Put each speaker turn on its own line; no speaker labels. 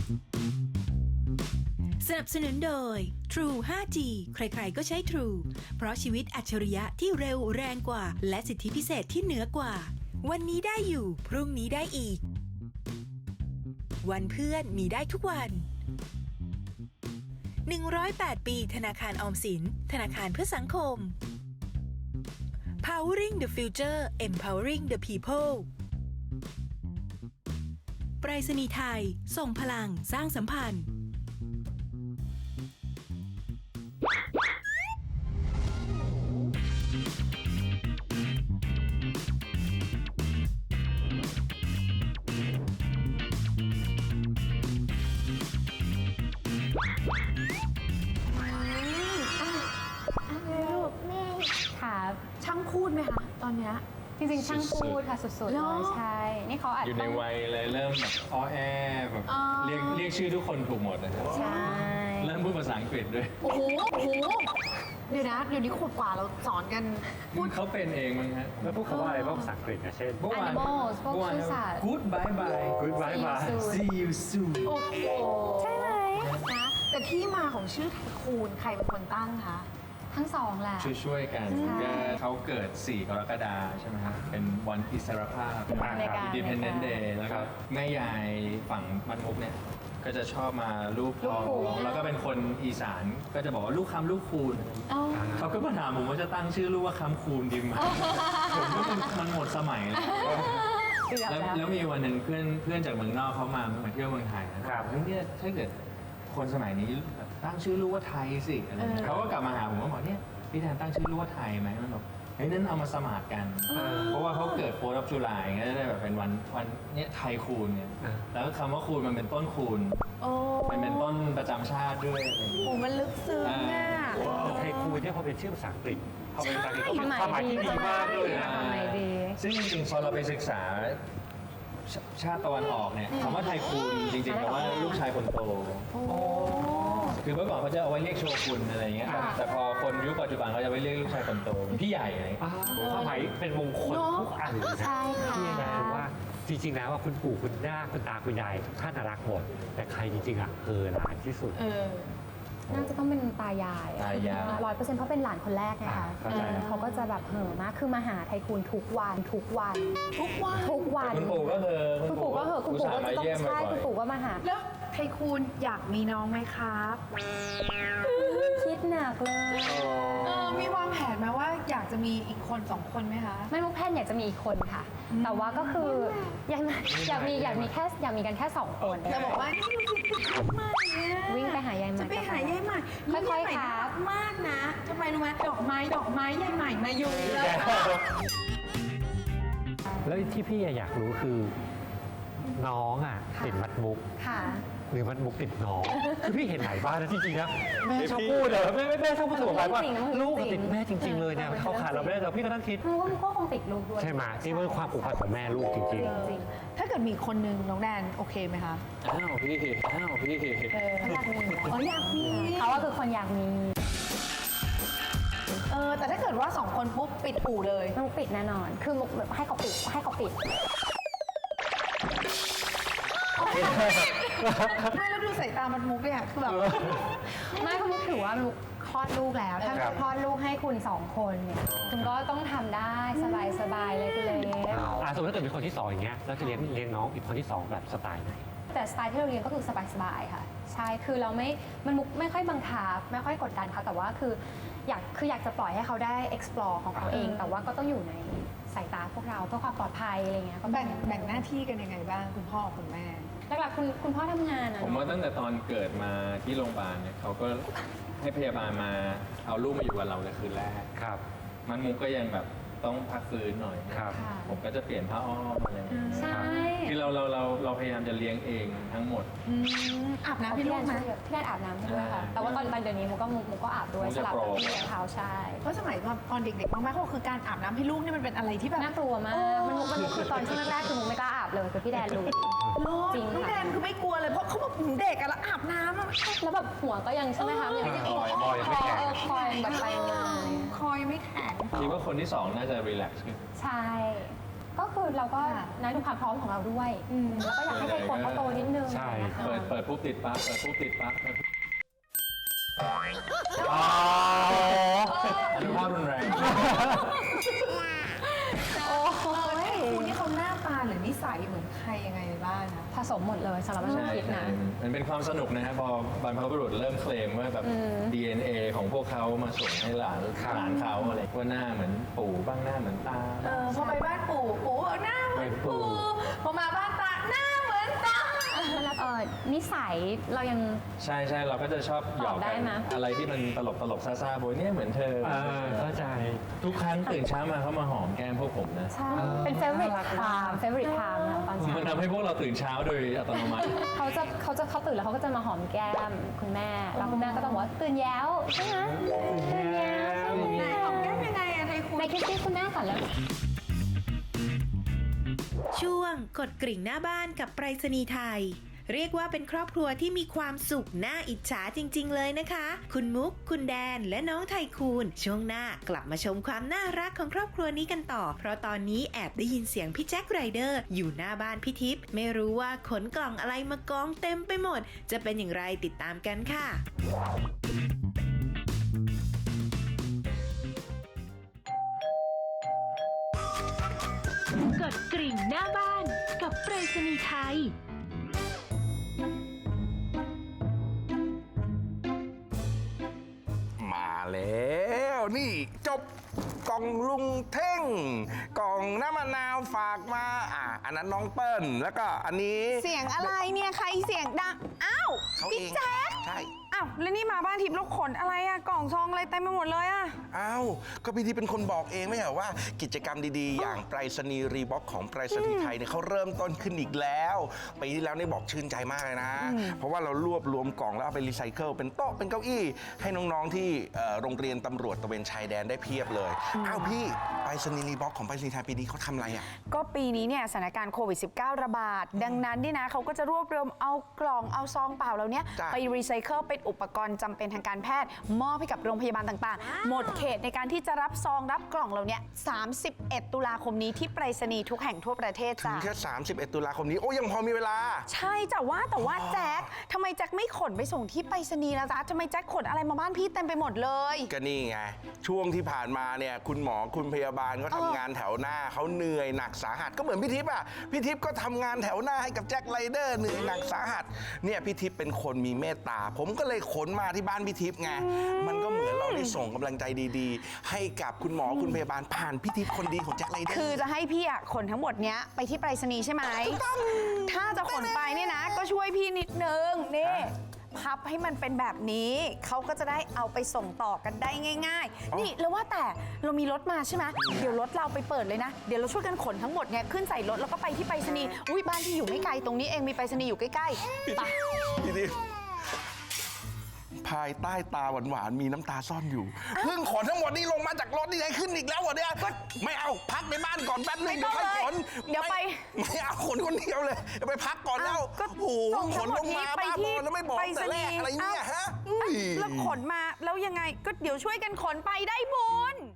สนับสนุนโดย True 5G ใครๆก็ใช้ True เพราะชีวิตอัจฉริยะที่เร็วแรงกว่าและสิทธิพิเศษที่เหนือกว่าวันนี้ได้อยู่พรุ่งนี้ได้อีกวันเพื่อนมีได้ทุกวัน108 ปีธนาคารออมสินธนาคารเพื่อสังคม Powering the Future Empowering the People ไปรษณีย์ไทยส่งพลังสร้างสัมพันธ์
ครับ
ช่างพูดไหมคะตอนเนี้ย
จริงๆช่างพูดค่ะสุดๆเลยใช่นี่เขาอัด
อยู่ในวัยเลยเริ่มแบบอ้อแอแบบเรียกชื่อทุกคนถูกหมดนะครับ
ใช่
เริ่มพูดภาษาอังกฤษด้วย
โอ้โหเดี๋ยวนะเดี๋ยวนี้ขวบกว่าเราสอนกัน
พูดเขาเป็นเองมั้งฮะ
แล้วพวกเขาว่าอะไรบ้างภาษาอังกฤษนะเช่น
เมื่อวาน
Animals พวกชื่อสัตว์
Good bye bye
Good bye bye
See you soon
โอ้โห
ใช่ไหม
นะแต่ที่มาของชื่อไทคูนใครเป็นคนตั้งคะ
ทั้งสองแหละ
ช่วยๆกันก็เขาเกิด 4 กรกฎาคมใช่ไหมครับเป็นวันอิสรภาพ
อเมริกา
Independence Day แล้วก็แม่ยายฝั่งมันมุกเนี่ยก็จะชอบมาลูกพ่อแล้วก็เป็นคนอีสานก็จะบอกว่าลูกคำลูกคูณ
อ๋อ
เขาก็มาถามผมว่าจะตั้งชื่อลูกว่าคำคูณดีไหมผมก็มันหมดสมัยแล้ว แล้วมีวันหนึ่งเพื่อนจากเมืองนอกเขามาเที่ยวเมืองไทยนะครับเฮ้ยเนี่ยถ้าเกิดคนสมัยนี้ตั้งชื่อลูกว่าไทยสิอะไรเขาก็กลับมาหาผมว่าบอกเนี่ยพี่แทนตั้งชื่อลูกว่าไทยไหมมันบอกเฮ้ยนั่นเอามาสมัครกันเพราะว่าเขาเกิดโฟร์รับจุฬาอย่างเงี้ยได้แบบเป็นวันเนี่ยไทยคูณเนี่ยแล้วคำว่าคูณมันเป็นต้นคูณ
โอ้
มันเป็นต้นประจำชาติด้วยอะไรอย่างเงี้ย
โหมันลึกซึ้งอ่ะ
แต่ไทคูนเนี่ยพอเป็นชื่อภาษาอังกฤษพอเป็นภาษาอังกฤษก็เป็น
ความหมาย
ความหมายที่ดีมากเลยนะ
ความหมายดี
ซึ่งจริงๆพอเราไปศึกษาชาติตะวันออกเนี่ยคำว่าไทคูนจริงๆแปลว่าลูกชายคนโตคือเมื่อก่อนเขาจะเอาไว้เรียกโชกุนอะไรเงี้ยแต่พอคนยุคปัจจุบันเขาจะไว้เรียกลูกชายคนโตพี่ใหญ่อะไร
ความหมายเป็นมงคลทุกอันเลยนะ
ใช่ค่ะ
ที่นะคือว่าจริงๆแล้วว่าคุณปู่คุณย่าคุณตาคุณยายทุกท่านรักหมดแต่ใครจริงๆอ่ะหลานที่สุด
น่าจะต้องเป็นตายาย
ตายาย
100%เพราะเป็นหลานคนแรกไงคะ
เข้าใจแล้ว
เขาก็จะแบบเห่อะมากคือมาหาไทคูนทุกวัน
ทุกวัน
คุณปู่ก็คือ
คุณปู่ก็เหอะคุณปู่ก็
มา
จะต้อง
เยี่ยมบ่
ใช่
อย
คุณปู่ก็มาหา
แล้วไทคูนอยากมีน้องไหมครับ
คิดหนักเลย
มีวางแผนไหมว่าอยากจะมีอีกคน2 คนไหมคะ
ไม่มุกแพทย์อยากจะมีอีกคนค่ะ แต่ว่าก็คืออยากมีกันแค่2 คน
จะบอกว่านี่ดูสิคือใหม่เนี่ย
วิ่งไปหายายใหม่
จะไปหายายใหม่
ค่อยๆ
า
ค
น่า
รับ
มากนะทำไมรู้ไหมดอกไม้ยายใหม่มาอยู่แล้ว
แล้วที่พี่อยากรู้คือน้องอ่ะติดมัดมุก
ค่ะ
หรือมัดมุกติดน้องคือพี่เห็นหลายบ้านนะจริงๆนะแม่ชอบพูดอะแม่ชอบพูดเสมอไปว่าลูกติดแม่จริง ๆ เลยเนี่ยเขาขาดเราไม่ได้แต่พี่ก็นั่งคิด
มุกก็คงติดลูกด้วย
ใช่ไหมนี่เป็นความผูกพันของแม่ลูกจริง
จริง
ถ้าเกิดมีคนนึงน้องแดนโอเคไหมคะ
อ้าวพี่
เขาอยากมี
อยากมี
เขาว่าคือคนอยากมี
แต่ถ้าเกิดว่า2 คนปุ๊บปิดอู่เลย
มุกปิดแน่นอน คือมุกแบบให้เขาปิด
ไม่แล้วดูสายตามันมุกเนี่ยคือแบบ
ไม่เพราะมุกถือว่ามุกคลอดลูกแล้ว ถ้าจะคลอดลูกให้คุณ2 คนเนี่ยคุณก็ต้องทำได้สบายๆเล็ก
สมมติถ้าเกิดมีคนที่2อย่างเงี้ยแล้วจะเลี้ยงน้องอีกคนที่2แบบสไตล์ไหน
ๆแต่สไตล์ที่เราเรียนก็คือสบายๆค่ะ ใช่คือเรามันมุกไม่ค่อยบังคับไม่ค่อยกดดันเขาแต่ว่าคืออยากจะปล่อยให้เขาได้ explore ของเขาเอง แต่ว่าก็ต้องอยู่ในสายตาพวกเราเพื่อความปลอดภัยอะไรเงี้ยก็
แบ่งหน้าที่กันยังไงบ้างคุณพ่อคุณแม่
หลักๆคุณพ่อทำงานอะ
ผมว่าตั้งแต่ตอนเกิดมาที่โรงพยาบาลเนี่ยเขาก็ให้พยาบาลมาเอาลูกมาอยู่กับเราในคืนแรก
ครับ
มันมุกก็ยังแบบต้องพักฟื้นหน่อย
ครับ
ค่ะ
ผมก็จะเปลี่ยนผ้าอ้อมอะไรอย่างเงี้ย
ใช่
คือเราพยายามจะเลี้ยงเองทั้งหมด
อาบน้ำให้ลูกไหม
พี่แดนอาบน้ำให้ด้วยค่ะ
ใช่
แต่ว่าตอนเดี๋ยวนี้มุกก็อาบด้วย
มุก
ส
จะ
ลับกับ
โปร
พี่เลี้ยงเขาใช่
เพราะสมัยตอนเด็กๆมากๆก็คือการอาบน้ำให้ลูกนี่มันเป็นอะไรที่แบบ
น่ากลัวมากมันคือตอนช่วงแรกคือมุกไม่กล้าอาบเลยคือพี่แดนรู้ จริงค่ะ
น้องแดนคือไม่กลัวเลยเพราะเขาบอกเด็กอะแล้วอาบน้ำอะ
แล้วแบบหัวก็ยังใช่ไหมคะมันยังไม่ได้
คอยังไม่แข็ง
คอยแบบไปมา
คอยไม่แข็ง
คิดว่าคนที่สองน่าจะรีแลกซ์ขึ้น
ใช่ ก็คือเราก็
ค่ะ
นะดูความพร้อมของเราด้วยแล้วก็อยากให้ใครคนเขาโตนิดนึง
ใช่
เปิดดปุ๊บติดปั๊บเปิดปุ๊บติดปั๊บอนุภาพรุนแรง
คุณนี่เขาหน้าตาหรือนิสัยเหมือนใครยังไงบ้างนะ
ผสมหมดเลยสำหรับฉันคิดนะ
มันเป็นความสนุกนะครับพอบรรพบุรุษเริ่มเคลมว่าแบบ DNA ของพวกเขามาส่งให้หลานเขาอะไรว่าหน้าเหมือนปู่บ้างหน้าเหมือนตา
พอไปบ้านปู่หน้าเหมือนปู่พอมาบ้านตาหน้าเหมือนตา
นิสัยเรายัง
ใช่เราก็จะชอบหยอก
ตอบได้
กัน
ไหม
อะไรที่มันตลกซ่าๆโบยเนี่ยเหมือนเธอ
เข้าใจ
ทุกครั้งตื่นเช้ามาเขามาหอมแก้มพวกผมนะ
ใช่เป็น favorite time นะตอน
มั
เช้าน
ทำให้พวกเราตื่นเช้าโดยอัตโนมัติ
เขาตื่นแล้วเขาก็จะมาหอมแก้มคุณแม่แล้วคุณแม่ก็ต้องบอกว่าตื่นแล้วใช่ไหมตื่นแล้วใช่ไหม
หอมแก้มยังไงอะไทยคุณ
ในคิดที่คุณแม่ก่อนแล้ว
ช่วงกดกริ่งหน้าบ้านกับไปรษณีย์ไทย เรียกว่าเป็นครอบครัวที่มีความสุขน่าอิจฉาจริงๆเลยนะคะ คุณมุก คุณแดน และน้องไทคูนช่วงหน้ากลับมาชมความน่ารักของครอบครัวนี้กันต่อ เพราะตอนนี้แอบได้ยินเสียงพี่แจ็คไรเดอร์อยู่หน้าบ้านพี่ทิพย์ไม่รู้ว่าขนกล่องอะไรมากองเต็มไปหมด จะเป็นอย่างไรติดตามกันค่ะ กดกริ่งหน้าบ้านกับไปรษณีย์ไทย
มาแล้วนี่จบกล่องลุงเท่งกล่องน้ำมะนาวฝากมาอันนั้นน้องเปิ้ลแล้วก็อันนี้
เสียงอะไรเนี่ยใครเสียงดังอ้าว
เขาเอ
พี่
ง
แจ๊ค
ใช่
อ้าวแล้วนี่มาบ้านทิพย์แล้วขนอะไรอะกล่องซองอะไรเต็มไปหมดเลยอะ
อ้าวก็พี่ที่เป็นคนบอกเองไม่ใช่เหรอว่ากิจกรรมดีๆ อย่างไปรษณีย์รีบ็อกของไปรษณีย์ไทยเนี่ยเขาเริ่มต้นขึ้นอีกแล้วปีที่แล้วนี่บอกชื่นใจมากเลยนะ เพราะว่าเรารวบรวมกล่องแล้วเอาไปรีไซเคิลเป็นโต๊ะเป็นเก้าอี้ให้น้องๆที่โรงเรียนตำรวจตระเวนชายแดนได้เพียบเลยอ้าวพี่ไปรษณีย์รีบ็อกของไปรษณีย์ไทยปีนี้เขาทำอะไรอ่ะ
ก็ปีนี้เนี่ยสถานการณ์โควิด -19 ระบาด ดังนั้นนี่นะเขาก็จะรวบรวมเอากล่องเอาซองเปล่าเหล่านี้
จ้ะ
ไปรีไซเคิลเป็นอุปกรณ์จำเป็นทางการแพทย์มอบให้กับโรงพยาบาลต่างๆ หมดเขตในการที่จะรับซองรับกล่องเหล่านี้31 ตุลาคมนี้ที่ไปรษณีย์ทุกแห่งทั่วประเทศ
ถึง
จ้ะ
แค่31 ตุลาคมนี้โอ้ยังพอมีเวลา
ใช่แต่ว่าแจ็คทำไมแจ็คไม่ขนไปส่งที่ไปรษณีย์ล่ะจ๊ะทำไมแจ็คขนอะไรมาบ้านพี่เต็มไปหมดเลย
ก็นี่ไง ช่วงที่ผ่านมาเนี่ยคุณหมอคุณพยาบาลก็ทำงานแถวหน้าเขาเหนื่อยหนักสาหัสก็เหมือนพี่ทิพย์อ่ะพี่ทิพย์ก็ทำงานแถวหน้าให้กับแจ็คไรเดอร์เหนื่อยหนักสาหัสเนี่ยพี่ทิพย์เป็นคนมีเมตตา ผมก็เลยขนมาที่บ้านพี่ทิพย์ไงมันก็เหมือนเราได้ส่งกำลังใจดีๆ ให้กับคุณหมอคุณพยาบาลผ่านพี่ทิพย์คนดีของแจ็คไรเดอร์
คือจะให้พี่อะขนทั้งหมดเนี้ยไปที่ไปรษณีย์ใช่ไหม ถ้าจะขนไปเนี่ยนะ ก็ช่วยพี่นิดนึงนี่พับให้มันเป็นแบบนี้เขาก็จะได้เอาไปส่งต่อกันได้ง่าย ๆ นี่แล้วว่าแต่เรามีรถมาใช่ไหมเดี๋ยวรถเราไปเปิดเลยนะ เดี๋ยวเราช่วยกันขนทั้งหมดเนี่ยขึ้นใส่รถแล้วก็ไปที่ไปรษณีย์อุ้ยบ้านที่อยู่ไม่ไกลตรงนี้เองมีไปรษณีย์อยู่ใกล้ๆไป
พี่ทิพย์ภายใต้ตาหวานๆมีน้ำตาซ่อนอยู่เพิ่งขนทั้งหมดนี้ลงมาจากรถนี่ให้ขึ้นอีกแล้วเหรอเนี่ยไม่เอาพักในบ้านก่อนแป๊บนึง
ไม่
เดี๋
ต้
ย
อ
ว
ง
ค่อยขน
เดี๋ยวไป
ไม่เอาขนคนเดียวเลยเดี๋ยวไปพักก่อนแล้ว
ก็
โอ้โห
ส่ง
ข
ทั้
น
งหม
ล
ด
ง
นี้
มา
ไป
บ้าบ
ที่
อแล้วไม่บอก
ไปร
แต่
ษ
แร
ณี
ก
ย์
อะไรเนี่ยฮะ
แล้วขนมาแล้วยังไงก็เดี๋ยวช่วยกันขนไปได้บุญ